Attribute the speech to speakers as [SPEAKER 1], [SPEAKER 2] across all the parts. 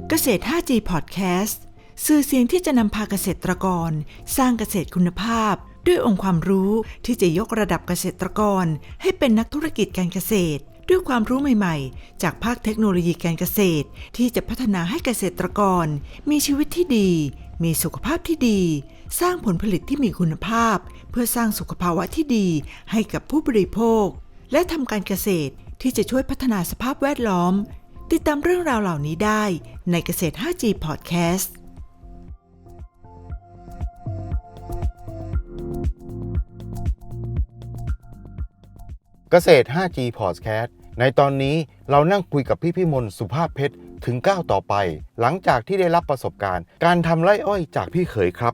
[SPEAKER 1] เกษตร 5G Podcast สื่อเสียงที่จะนำพาเกษตรกรสร้างเกษตรคุณภาพด้วยองค์ความรู้ที่จะยกระดับเกษตรกรให้เป็นนักธุรกิจการเกษตรด้วยความรู้ใหม่ๆจากภาคเทคโนโลยีการเกษตรที่จะพัฒนาให้เกษตรกรมีชีวิตที่ดีมีสุขภาพที่ดีสร้างผลผลิตที่มีคุณภาพเพื่อสร้างสุขภาวะที่ดีให้กับผู้บริโภคและทำการเกษตรที่จะช่วยพัฒนาสภาพแวดล้อมติดตามเรื่องราวเหล่านี้ได้ในเกษตร 5G Podcast
[SPEAKER 2] เกษตร 5G Podcast ในตอนนี้เรานั่งคุยกับพี่มนต์สุภาพเพชรถึงก้าวต่อไปหลังจากที่ได้รับประสบการณ์การทำไร่อ้อยจากพี่เขยครับ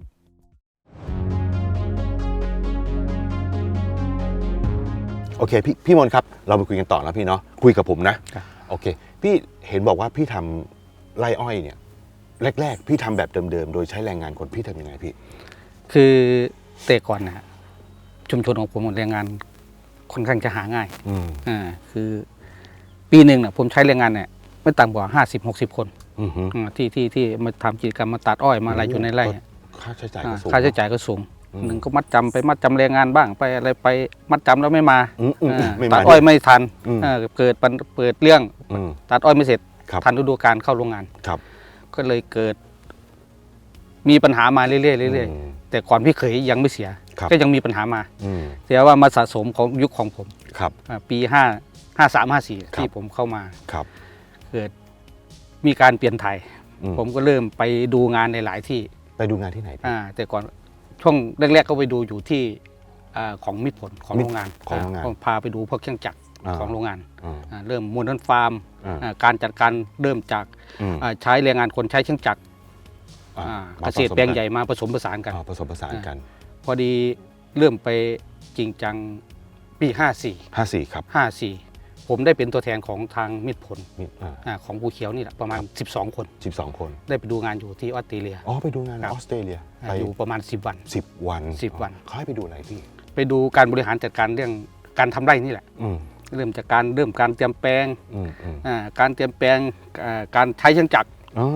[SPEAKER 2] โอเคพี่มนต์ครับเราไปคุยกันต่อนะพี่เนาะคุยกับผมนะโอเคพี่เห็นบอกว่าพี่ทำไร่อ้อยเนี่ยแรกๆพี่ทำแบบเดิมๆโดยใช้แรงงานคนพี่ทำยังไงพี่
[SPEAKER 3] คือแต่ก่อนนะชุมชนของผมแรงงานค่อนข้างจะหาง่ายคือปีหนึ่งเนี่ยผมใช้แรงงานเนี่ยไม่ต่ำกว่า50-60 คนที่มาทำกิจกรรมมาตัดอ้อยมาอะไรอยู่ในไร่
[SPEAKER 2] ค่าใช้จ่ายก็สูง
[SPEAKER 3] หนึ่งก็มัดจำแรงงานบ้างไปอะไรไปมัดจำแล้วไม่มาตัดอ้อยไม่ทันเกิดเรื่องตัดอ้อยไม่เสร็จทันฤดูกาลเข้าโรงงานก็เลยเกิดมีปัญหามาเรื่อยๆแต่ก่อนพี่เขยยังไม่เสียก็ยังมีปัญหามาแต่ว่ามาสะสมของยุคของผมปี53-54ที่ผมเข้ามาเกิดมีการเปลี่ยนถ่ายผมก็เริ่มไปดูงานในหลายที่
[SPEAKER 2] ไปดูงานที่ไหน
[SPEAKER 3] แต่ก่อนช่วงแรกๆก็ไปดูอยู่ที่ของมิตรผลของโรงงานพาไปดูพวกเครื่องจักรของโรงงานเริ่มมูลนิธิฟาร์มการจัดการเริ่มจากใช้แรงงานคนใช้เครื่องจักรเกษตรแปลงใหญ่มาผสมผสานกันพอดีเริ่มไปจริงจังปี54
[SPEAKER 2] ครับ
[SPEAKER 3] ผมได้เป็นตัวแทนของทางมิตรผลของภูเขียวนี่แหละประมาณ12 คนได้ไปดูงานอยู่ที่ออสเตรเลีย
[SPEAKER 2] ไปดูงานออสเตรเลีย
[SPEAKER 3] อยู่ประมาณ10 วัน
[SPEAKER 2] เขาให้ไปดูอะไรพี่
[SPEAKER 3] ไปดูการบริหารจัดการเรื่องการทำไร่นี่แหละเริ่มจากการเตรียมแปลงการเตรียมแปลงการใช้เครื่องจักร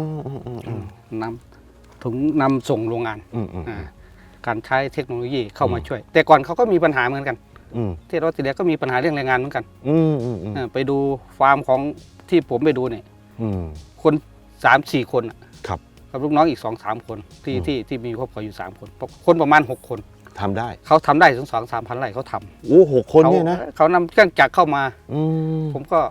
[SPEAKER 3] นำส่งโรงงานการใช้เทคโนโลยีเข้ามาช่วยแต่ก่อนเขาก็มีปัญหาเหมือนกันที่ออสเตรเลียก็มีปัญหาเรื่องแรงงานเหมือนกันไปดูฟาร์มของที่ผมไปดูเนี่ยคน 3-4 คนกับลูกน้องอีก 2-3 คนที่มีครอบครัวอยู่3 คนประมาณ6 คน
[SPEAKER 2] ทำได้
[SPEAKER 3] เขาทำได้ถึง 2-3 พันไร่เขาท
[SPEAKER 2] ำ6 คนเนี่ยนะ
[SPEAKER 3] เขานำเครื่องจักรเข้ามาผมก็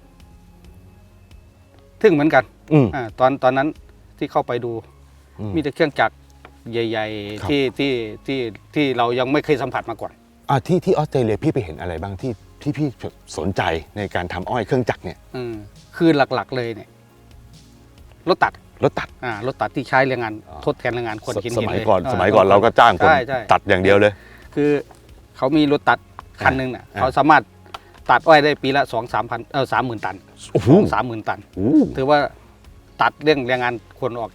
[SPEAKER 3] ทึ่งเหมือนกันตอนนั้นที่เข้าไปดูมีแต่เครื่องจักรใหญ่ๆที่เรายังไม่เคยสัมผัสมาก่อน
[SPEAKER 2] ที่ออสเตรเลียพี่ไปเห็นอะไรบ้างที่พี่สนใจในการทำอ้อยเครื่องจักรเนี่ย
[SPEAKER 3] คือหลักๆเลยเนี่ยรถตัดที่ใช้แรงงานทดแทนแรงงานคนหิน
[SPEAKER 2] สมัยก่อนเราก็จ้างคนตัดอย่างเดียวเลย
[SPEAKER 3] คือเขามีรถตัดคันหนึ่งน่ะเขาสามารถตัดอ้อยได้ปีละ30,000 ตัน 30,000 ตันถือว่าตัดเรื่องแรงงานคนออก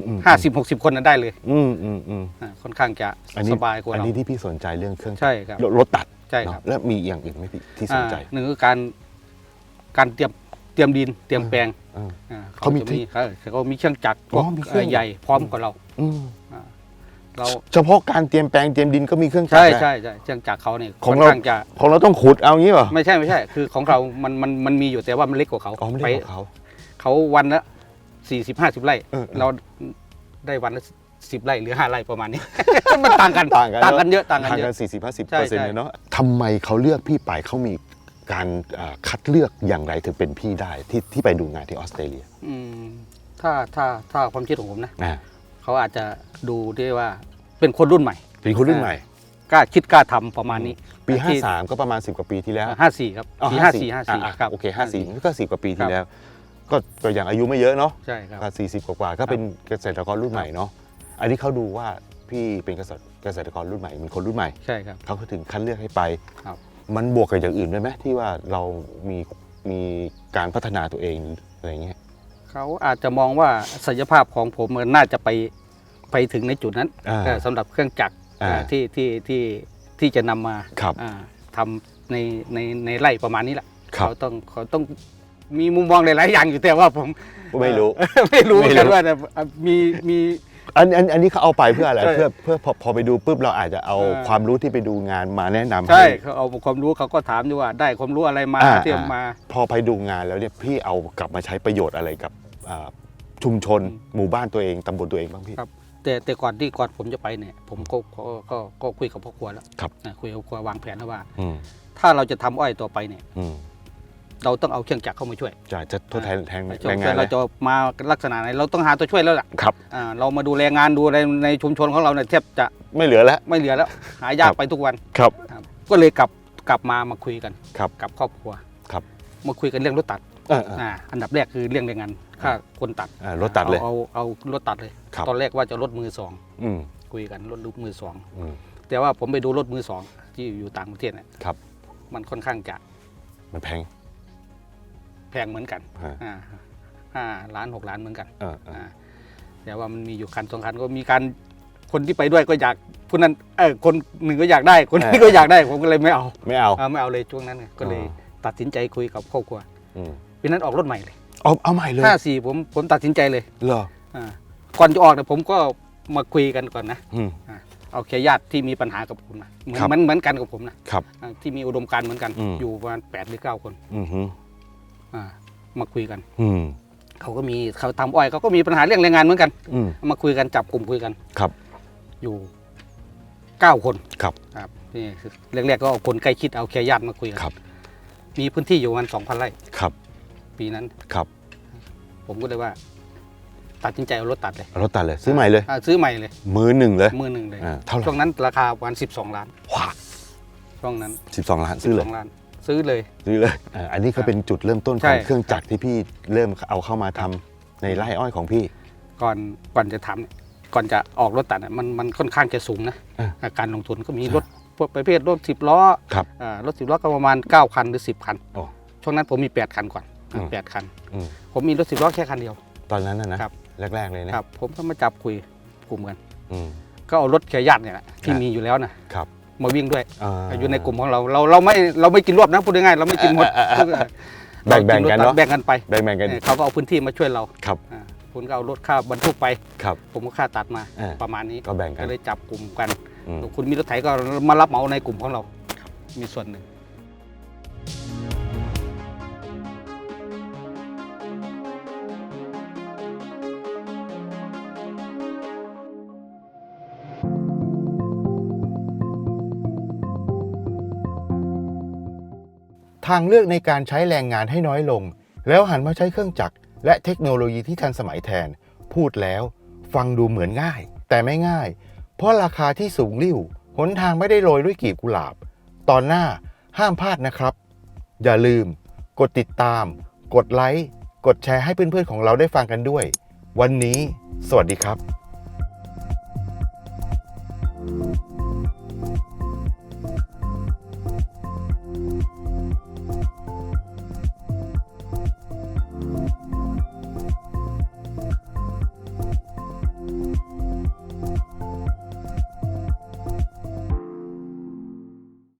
[SPEAKER 3] 50-60 คนนั้นได้เลยค่อนข้างจะสบายกว่าเรา
[SPEAKER 2] อันนี้ที่พี่สนใจเรื่องเครื่อง
[SPEAKER 3] ใช่ครับ
[SPEAKER 2] รถตัด
[SPEAKER 3] ใช่ครับ
[SPEAKER 2] แล้วมีอย่างอื่นไหมพี่ที่สนใจ
[SPEAKER 3] หนึ่งคือการเตรียมดินเตรียมแปลงเขามีเครื่องจักรพวกใหญ่พร้อมกว่าเรา
[SPEAKER 2] เฉพาะการเตรียมแปลงเตรียมดินก็มีเครื่องจักร
[SPEAKER 3] ใช่เครื่องจักรเขาเนี่ย
[SPEAKER 2] ของเราต้องขุดเอางี้ป่ะ
[SPEAKER 3] ไม่ใช่คือของเรามันมีอยู่แต่ว่ามันเล็กกว่าเขาเขาวันละ40-50 ไร่เราได้วันละ10 ไร่หรือ5 ไร่ประมาณนี้มันต่างกันเยอะ
[SPEAKER 2] 40-50%เลยเนาะทำไมเขาเลือกพี่ไปเขามีการคัดเลือกอย่างไรถึงเป็นพี่ได้ที่ไปดูงานที่ออสเตรเลีย
[SPEAKER 3] ถ้าความคิดของผมนะเขาอาจจะดูได้ว่าเป็นคนรุ่นใหม่กล้าคิดกล้าทำประมาณนี้
[SPEAKER 2] ปี53ก็ประมาณ10 กว่าปีที่แล้ว
[SPEAKER 3] 54ครับปี54
[SPEAKER 2] ครับโอเค54ก็10 กว่าปีที่แล้วก็อย่างอายุไม่เยอะเนาะ
[SPEAKER 3] ใช่ครับ
[SPEAKER 2] 40 กว่าก็เป็นเกษตรกรรุ่นใหม่เนาะอันนี้เขาดูว่าพี่เป็นเกษตรกรรุ่นใหม่เป็นคนรุ่นใหม่
[SPEAKER 3] ใช่ครับ
[SPEAKER 2] เขาถึงคัดเลือกให้ไปมันบวกกับอย่างอื่นด้วยไหมที่ว่าเรามีการพัฒนาตัวเองอะไรเงี้ย
[SPEAKER 3] เขาอาจจะมองว่าศักยภาพของผมมันน่าจะไปถึงในจุดนั้นสำหรับเครื่องจักรที่จะนำมาทำในไร่ประมาณนี้แหละเขาต้องมีมุมมองหลายๆอย่างอยู่แต่ว่าผม
[SPEAKER 2] ไม่รู้
[SPEAKER 3] ไม่รู้เหมือนกันว่าแต่มี
[SPEAKER 2] อันนี้เขาเอาไปเพื่ออะไร
[SPEAKER 3] ใช่
[SPEAKER 2] เพื่อพอไปดูปุ๊บเราอาจจะเอาความรู้ที่ไปดูงานมาแนะนำ
[SPEAKER 3] ใช่
[SPEAKER 2] ให้
[SPEAKER 3] เขาเอาความรู้เขาก็ถามอยู่ว่าได้ความรู้อะไรมาเทียมมา
[SPEAKER 2] พอไปดูงานแล้วเนี่ยพี่เอากลับมาใช้ประโยชน์อะไรกับชุมชนหมู่บ้านตัวเองตำบลตัวเองบ้างพี่
[SPEAKER 3] ครับ แต่ก่อนผมจะไปเนี่ยผมก็คุยกับพ่อครัวแล้ว
[SPEAKER 2] ครับ
[SPEAKER 3] คุยกับพ่อครัววางแผนแล้วว่า
[SPEAKER 2] อืม
[SPEAKER 3] ถ้าเราจะทำอ้อยต่อไปเนี่ย
[SPEAKER 2] อืม
[SPEAKER 3] เราต้องเอาเครื่องจักรเข้ามาช่วย
[SPEAKER 2] จะทดแทนแรง
[SPEAKER 3] ช่วย
[SPEAKER 2] งาน
[SPEAKER 3] เรา
[SPEAKER 2] เลย
[SPEAKER 3] จะมาลักษณะไหนเราต้องหาตัวช่วยแล้วล่ะ
[SPEAKER 2] ครับ
[SPEAKER 3] เรามาดูแลงานดูอะไรในชุมชนของเราเนี่ยแทบจะ
[SPEAKER 2] ไม่เหลือแล้ว
[SPEAKER 3] ไม่เหลือแล้ว หายาก
[SPEAKER 2] ครับ
[SPEAKER 3] ไปทุกวัน
[SPEAKER 2] ครับ
[SPEAKER 3] ครับก็เลยกลับมาคุยกัน
[SPEAKER 2] ครับ
[SPEAKER 3] กับครอบครัว
[SPEAKER 2] ครับ
[SPEAKER 3] มาคุยกันเรื่องรถตัด อันดับแรกคือเรื่องแรงงานค่าคนตัด
[SPEAKER 2] รถตัดเลย
[SPEAKER 3] เอารถตัดเลย
[SPEAKER 2] ครับ
[SPEAKER 3] ตอนแรกว่าจะรถมือสอง
[SPEAKER 2] อืม
[SPEAKER 3] คุยกันรถมือสอง
[SPEAKER 2] อืม
[SPEAKER 3] แต่ว่าผมไปดูรถมือสองที่อยู่ต่างประเทศเนี่ย
[SPEAKER 2] ครับ
[SPEAKER 3] มันค่อนข้างจะ
[SPEAKER 2] มันแพง
[SPEAKER 3] แพงเหมือนกัน
[SPEAKER 2] ฮะ
[SPEAKER 3] 5 ล้าน 6 ล้านเหมือนกัน
[SPEAKER 2] อ่า
[SPEAKER 3] แต่ว่ามันมีอยู่คันสองคันก็มีการคนที่ไปด้วยก็อยากคนนั้นคนหนึ่งก็อยากได้คนนี้ก็อยากได้ผมก็เลยไม่เอา
[SPEAKER 2] ไม่เอา
[SPEAKER 3] ไม่เอาเลยช่วงนั้นไงก็เลยตัดสินใจคุยกับครอบครัว
[SPEAKER 2] อืม
[SPEAKER 3] ปีนั้นออกรถใหม่เลย
[SPEAKER 2] เอาใหม่เลย
[SPEAKER 3] 54ผมตัดสินใจเลย
[SPEAKER 2] เหรอ
[SPEAKER 3] ก่อนจะออกเนี่ยผมก็มาคุยกันก่อนนะ
[SPEAKER 2] อืม
[SPEAKER 3] เอาแค่ญาติที่มีปัญหากับผมนะเหมือน
[SPEAKER 2] ครับ
[SPEAKER 3] เหมือนกันกับผมนะครับ ที่มีอุดมการณ์เหมือนกัน
[SPEAKER 2] อืม
[SPEAKER 3] อยู่ประมาณ8 หรือ 9 คน
[SPEAKER 2] อืมฮึ
[SPEAKER 3] มาคุยกัน
[SPEAKER 2] อืม
[SPEAKER 3] เขาทำอ้อยเขาก็มีปัญหาเรื่องแรงงานเหมือนกัน
[SPEAKER 2] อืม
[SPEAKER 3] มาคุยกันจับกลุ่มคุยกัน
[SPEAKER 2] ครับ
[SPEAKER 3] อยู่9 คน
[SPEAKER 2] ครับ
[SPEAKER 3] ครับนี่คือแรกๆก็เอาคนใกล้ชิดเอาแค่ญาติมาคุยกัน
[SPEAKER 2] ครับ
[SPEAKER 3] มีพื้นที่อยู่ประมาณ 2,000 ไร่
[SPEAKER 2] ครับ
[SPEAKER 3] ปีนั้น
[SPEAKER 2] ครับ
[SPEAKER 3] ผมก็เลยว่า ตัดสินใจเอารถตัดเลย
[SPEAKER 2] เอารถตัดเลยซื้อใหม่เลย
[SPEAKER 3] ซื้อใหม่เลย
[SPEAKER 2] มือหนึ่งเลย
[SPEAKER 3] มือหนึ่งเลย
[SPEAKER 2] เท่าไหร่
[SPEAKER 3] ช่วงนั้นราคาประมาณ12 ล้าน
[SPEAKER 2] ว้า
[SPEAKER 3] ช่วงนั้น
[SPEAKER 2] 12 ล้านซื้อเลย
[SPEAKER 3] 12 ล้าน ซื้อเลย
[SPEAKER 2] ซื้อเลยอันนี้ก็เป็นจุดเริ่มต้น
[SPEAKER 3] ใช่
[SPEAKER 2] ของเครื่องจักรที่พี่เริ่มเอาเข้ามาทำในไร่อ้อยของพี่
[SPEAKER 3] ก่อนจะทำเนี่ยก่อนจะออกรถตัดเนี่ยมันค่อนข้างจะสูงนะ การลงทุนก็มีรถพวกประเภทรถ10 ล้อ
[SPEAKER 2] ครับ
[SPEAKER 3] รถ10 ล้อก็ประมาณ9 คันหรือ10 คัน
[SPEAKER 2] โอ้
[SPEAKER 3] ช่วงนั้นผมมี8 คันก่อน
[SPEAKER 2] อืม
[SPEAKER 3] 8 คัน
[SPEAKER 2] อืม
[SPEAKER 3] ผมมีรถ10 ล้อแค่คันเดียว
[SPEAKER 2] ตอนนั้นนะครับ แรกๆเลยนะครับ
[SPEAKER 3] ผมก็มาจับคุยกลุ่มกัน
[SPEAKER 2] อืม
[SPEAKER 3] ก็เอารถแค่ญาติเนี่ยแหละที่
[SPEAKER 2] ครับ
[SPEAKER 3] มีอยู่แล้วนะครับ มาวิ่งด้วย
[SPEAKER 2] า
[SPEAKER 3] อยู่ในกลุ่มของเราไม่กินรวบนะพูดง่ายๆเราไม่กินหมด
[SPEAKER 2] แบ่งๆกันเนาะ
[SPEAKER 3] แบ่งกันไป
[SPEAKER 2] แบ่งๆกัน
[SPEAKER 3] เขาก็เอาพื้นที่มาช่วยเรา
[SPEAKER 2] ครับ
[SPEAKER 3] คุณก็เอารถค่าบรรทุกไป
[SPEAKER 2] ครับ
[SPEAKER 3] ผมก็ค่าตัดมา
[SPEAKER 2] อ่า
[SPEAKER 3] ประมาณนี้
[SPEAKER 2] ก็แบ่งกัน
[SPEAKER 3] ก็เลยจับกลุ่มกัน
[SPEAKER 2] อืม
[SPEAKER 3] คุณมีรถไถก็มารับเหมาในกลุ่มของเรามีส่วนหนึ่ง
[SPEAKER 2] ทางเลือกในการใช้แรงงานให้น้อยลง แล้วหันมาใช้เครื่องจักรและเทคโนโลยีที่ทันสมัยแทน พูดแล้วฟังดูเหมือนง่าย แต่ไม่ง่าย เพราะราคาที่สูงลิ่วหนทางไม่ได้โรยด้วยกลีบกุหลาบ ตอนหน้าห้ามพลาดนะครับ อย่าลืม กดติดตาม กดไลค์กดแชร์ให้เพื่อนๆของเราได้ฟังกันด้วย วันนี้ สวัสดีครับ